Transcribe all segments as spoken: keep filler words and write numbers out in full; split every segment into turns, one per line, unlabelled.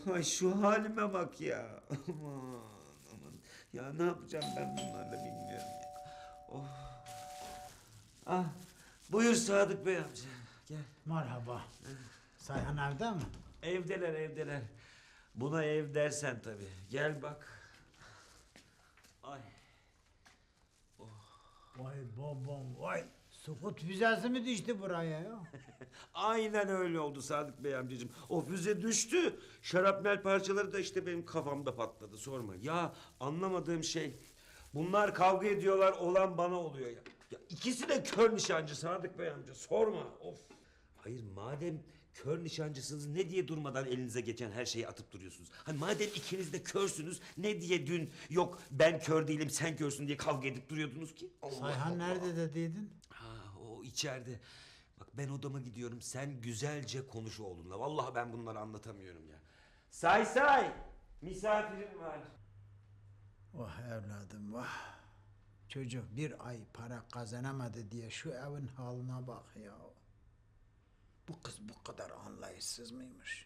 Ay şu halime bak ya. Aman aman. Ya ne yapacağım ben bunlarla bilmiyorum ya. Oh. Ah. Buyur Sadık Bey amca. Gel.
Merhaba. Sayhan evde mi?
Evdeler evdeler. Buna ev dersen tabii. Gel bak. Ay.
Vay babam vay. Sukut vizesi mi düştü buraya ya?
Aynen öyle oldu Sadık Bey amcacığım. O füze düştü. Şarapnel parçaları da işte benim kafamda patladı. Sorma. Ya anlamadığım şey. Bunlar kavga ediyorlar. Olan bana oluyor ya. Ya ikisi de kör nişancı Sadık Bey amca. Sorma. Of. Hayır madem kör nişancısınız ne diye durmadan elinize geçen her şeyi atıp duruyorsunuz? Hani madem ikiniz de körsünüz ne diye dün yok ben kör değilim sen körsün diye kavga edip duruyordunuz ki? Allah
Sayhan
Allah.
nerede dediydin?
Ha o içeride. Bak ben odama gidiyorum. Sen güzelce konuş oğlunla. Vallahi ben bunları anlatamıyorum ya. Say say. Misafirim var.
Vah evladım vah. Çocuk bir ay para kazanamadı diye şu evin haline bak ya. Bu kız bu kadar anlayışsız mıymış?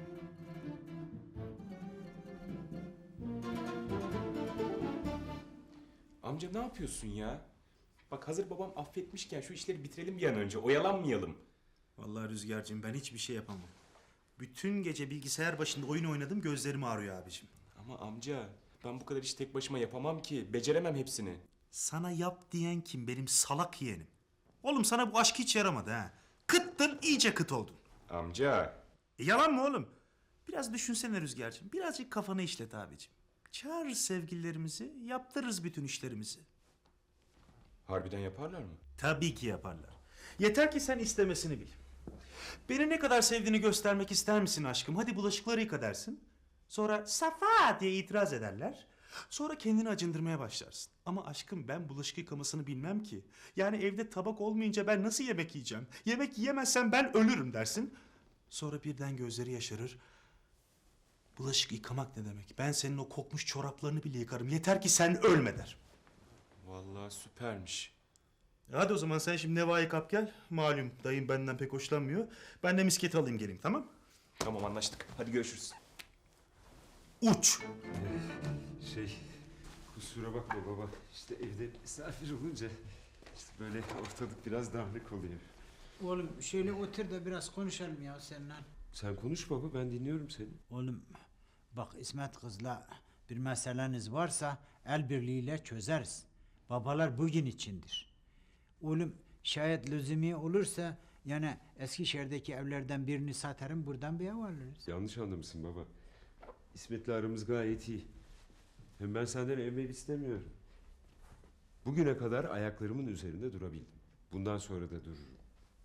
Amca ne yapıyorsun ya? Bak hazır babam affetmişken şu işleri bitirelim bir an önce. Oyalanmayalım.
Vallahi Rüzgar'cığım ben hiçbir şey yapamam. Bütün gece bilgisayar başında oyun oynadım, gözlerim ağrıyor abicim.
Ama amca ben bu kadar işi tek başıma yapamam ki. Beceremem hepsini.
Sana yap diyen kim? Benim salak yeğenim. Oğlum sana bu aşk hiç yaramadı ha. Kıttın, iyice kıt oldun.
Amca.
E, yalan mı oğlum? Biraz düşünsene Rüzgar'cığım. Birazcık kafanı işlet abicim. Çağır sevgililerimizi, yaptırırız bütün işlerimizi.
Harbiden yaparlar mı?
Tabii ki yaparlar. Yeter ki sen istemesini bil. Beni ne kadar sevdiğini göstermek ister misin aşkım? Hadi bulaşıkları yıka dersin. Sonra Safa diye itiraz ederler. Sonra kendini acındırmaya başlarsın. Ama aşkım ben bulaşık yıkamasını bilmem ki. Yani evde tabak olmayınca ben nasıl yemek yiyeceğim? Yemek yiyemezsem ben ölürüm dersin. Sonra birden gözleri yaşarır. Bulaşık yıkamak ne demek? Ben senin o kokmuş çoraplarını bile yıkarım. Yeter ki sen ölme der.
Vallahi süpermiş.
Hadi o zaman sen şimdi Neva'yı kap gel. Malum dayım benden pek hoşlanmıyor. Ben de misketi alayım geleyim, tamam?
Tamam anlaştık. Hadi görüşürüz.
Uç!
Şey kusura bakma baba. İşte evde misafir olunca işte böyle ortalık biraz dağınık oluyor.
Oğlum şöyle otur da biraz konuşalım ya seninle.
Sen konuş baba ben dinliyorum seni.
Oğlum bak İsmet kızla bir meseleniz varsa el birliğiyle çözeriz. Babalar bugün içindir. Oğlum şayet lüzumi olursa yani Eskişehir'deki evlerden birini satarım buradan bir ev alırız.
Yanlış anlamışsın baba. İsmet'le aramız gayet iyi. Hem ben senden evvel istemiyorum. Bugüne kadar ayaklarımın üzerinde durabildim. Bundan sonra da dururum.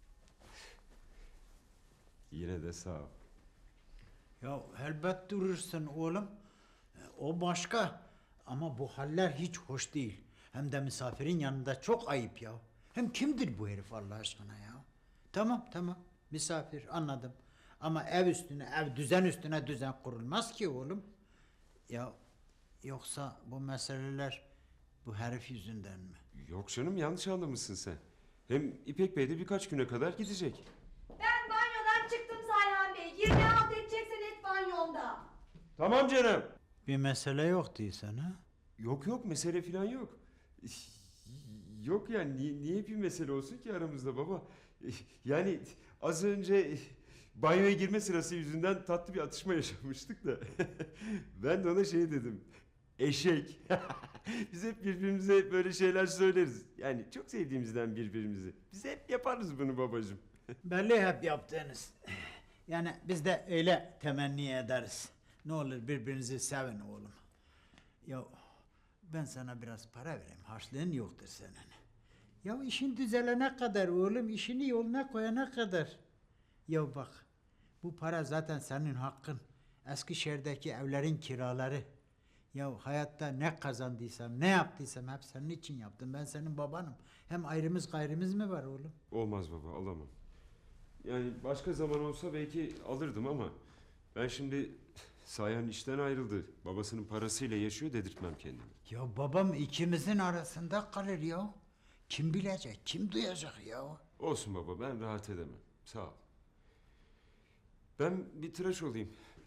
Yine de sağ ol.
Ya elbet durursun oğlum. E, O başka. Ama bu haller hiç hoş değil. Hem de misafirin yanında çok ayıp ya. Hem kimdir bu herif Allah aşkına ya? Tamam tamam misafir anladım. Ama ev üstüne ev düzen üstüne düzen kurulmaz ki oğlum. Ya yoksa bu meseleler bu herif yüzünden mi?
Yok canım yanlış anlamışsın sen. Hem İpek Bey de birkaç güne kadar gidecek.
Ben banyodan çıktım Sayhan Bey. Girme halt edeceksen et banyomda.
Tamam canım.
Bir mesele yok değilsen ha?
Yok yok mesele falan yok. Yok yani niye, niye bir mesele olsun ki aramızda baba? Yani az önce banyoya girme sırası yüzünden tatlı bir atışma yaşamıştık da. Ben de ona şey dedim. Eşek. Biz hep birbirimize böyle şeyler söyleriz. Yani çok sevdiğimizden birbirimizi. Biz hep yaparız bunu babacığım.
Belli hep yaptığınız. Yani biz de öyle temenni ederiz. Ne olur birbirinizi sevin oğlum. Ya ben sana biraz para vereyim. Harçlığın yoktur senin. Ya işin düzelene kadar oğlum, işini yoluna koyana kadar. Ya bak, bu para zaten senin hakkın. Eskişehir'deki evlerin kiraları. Ya hayatta ne kazandıysam, ne yaptıysam hep senin için yaptım. Ben senin babanım. Hem ayrımız gayrımız mı var oğlum?
Olmaz baba alamam. Yani başka zaman olsa belki alırdım ama ben şimdi Sayhan işten ayrıldı. Babasının parasıyla yaşıyor dedirtmem kendimi.
Ya babam ikimizin arasında kalır ya. Kim bilecek, kim duyacak ya?
Olsun baba ben rahat edemem. Sağ ol. Ben bir tıraş olayım.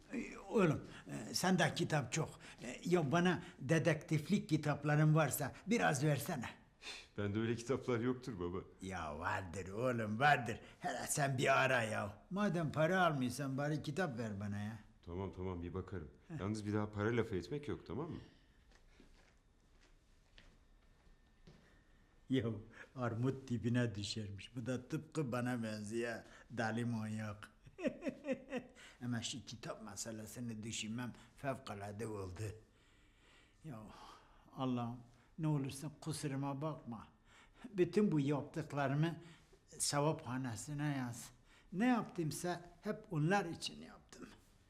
Ee, Oğlum e, sende kitap çok. E, Ya bana dedektiflik kitapların varsa biraz versene.
Bende öyle kitaplar yoktur baba.
Ya vardır oğlum vardır. Hele sen bir ara ya. Madem para almıyorsan bari kitap ver bana ya.
Tamam tamam bir bakarım. Yalnız bir daha para lafı etmek yok tamam mı?
Ya armut dibine düşermiş. Bu da tıpkı bana benziyor. Deli manyak. Ama şu kitap meselesini düşünmem fevkalade oldu. Ya Allah'ım ne olursa kusuruma bakma. Bütün bu yaptıklarımı sevaphanesine yaz. Ne yaptımsa hep onlar için yaptım.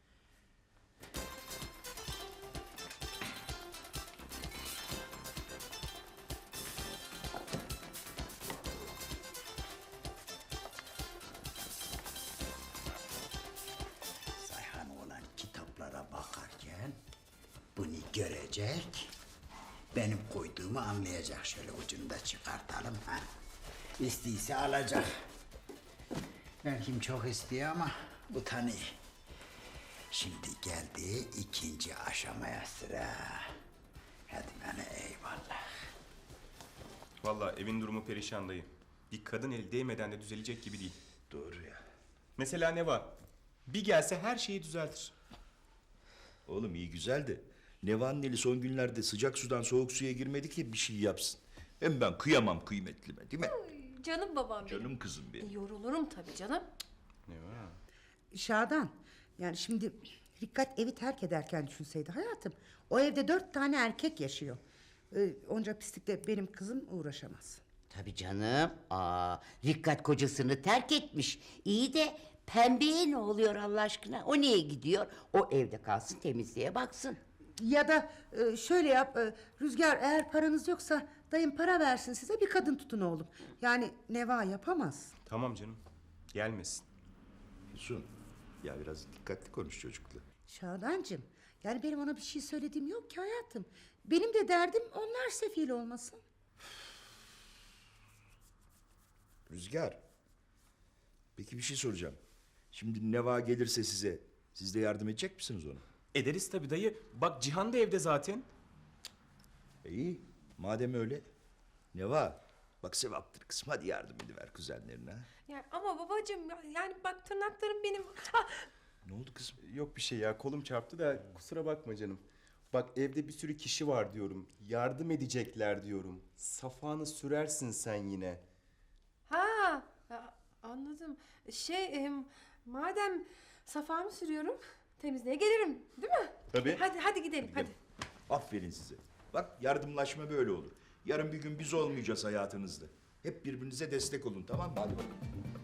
Sayhan olan kitaplara bakarken bunu görecek, benim koyduğumu anlayacak. Şöyle ucunu da çıkartalım ha. İstiyse alacak. Belki çok istiyor ama utanıyor. Şimdi geldi ikinci aşamaya sıra. Hadi bana eyvallah.
Vallahi evin durumu perişan dayı. Bir kadın eli değmeden de düzelecek gibi değil.
Doğru ya.
Mesela ne var? Bir gelse her şeyi düzeltir.
Oğlum iyi güzel de Neva'nın eli son günlerde sıcak sudan soğuk suya girmedi ki bir şey yapsın. Hem ben kıyamam kıymetlime değil mi?
Canım babam benim.
Canım kızım benim.
E, yorulurum tabii canım.
Ne var?
Şadan, yani şimdi Rikkat evi terk ederken düşünseydi hayatım. O evde dört tane erkek yaşıyor. Ee, onca pislikle benim kızım uğraşamaz.
Tabii canım. Aa, Rikkat kocasını terk etmiş. İyi de pembeye ne oluyor Allah aşkına? O niye gidiyor? O evde kalsın, temizliğe baksın.
Ya da e, şöyle yap, e, Rüzgar eğer paranız yoksa dayım para versin size bir kadın tutun oğlum. Yani Neva yapamaz.
Tamam canım. Gelmesin.
Füsun, ya biraz dikkatli konuş çocukla.
Şadancığım, yani benim ona bir şey söylediğim yok ki hayatım. Benim de derdim onlar sefil olmasın.
Rüzgar. Peki bir şey soracağım. Şimdi Neva gelirse size, siz de yardım edecek misiniz ona?
Ederiz tabii dayı. Bak Cihan da evde zaten.
E iyi, madem öyle. Neva, bak sevaptır kızım, hadi yardım ediver kuzenlerine. Ha?
Yani ama babacığım yani bak tırnaklarım benim. Ah,
Ne oldu kızım?
Yok bir şey ya, kolum çarptı da kusura bakma canım. Bak evde bir sürü kişi var diyorum. Yardım edecekler diyorum. Safanı sürersin sen yine.
ha ya, anladım. Şey em, madem safamı sürüyorum temizliğe gelirim değil mi?
Tabii.
Hadi hadi gidelim hadi.
Aferin size. Bak yardımlaşma böyle olur. Yarın bir gün biz olmayacağız hayatınızda. Hep birbirinize destek olun tamam mı? Hadi bakalım.